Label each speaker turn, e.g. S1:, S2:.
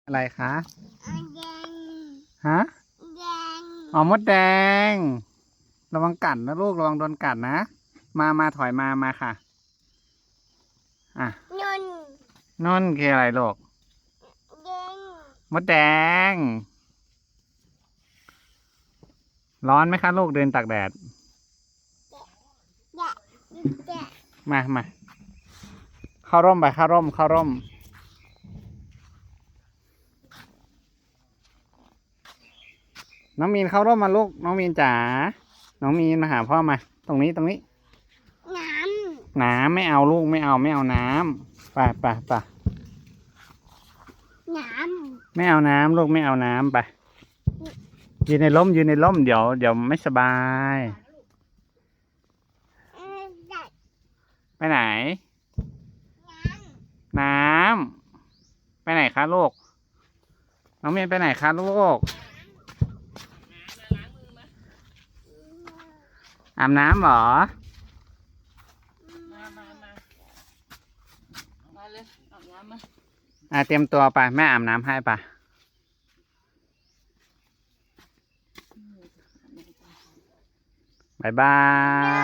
S1: อะไรคะ
S2: แดง
S1: ฮะ
S2: แดง
S1: อ๋อมดแดงระวังกัดนะลูกระวังโดนกัดนะมาถอยมาค่ะอ่ะ
S2: นุ่น
S1: นั่นคืออะไรลูก
S2: แดง
S1: มดแดงร้อนไหมคะลูกเดินตากแดด
S2: แดะแดะ
S1: มาเข้าร่มไปเข้าร่มน้องมีนเข้าร่มมาลูกน้องมีนจ๋าน้องมีนมาหาพ่อมาตรงนี้
S2: น้
S1: น้ำไม่เอาลูกไม่เอาน้ำไป
S2: ำน้
S1: ไม่เอาน้ำลูกไม่เอาน้ำไปยืนในร่มเดี๋ยวไม่สบาย
S2: ำแดะ
S1: ไปไหน น้ำไปไหนคะลูกน้องเมียนไปไหนคะลูกอาบน้ำเหรอ
S3: มาเลยอาบน้ำมา
S1: เตรียมตัวไปแม่อาบน้ำให้ปะบ๊ายบาย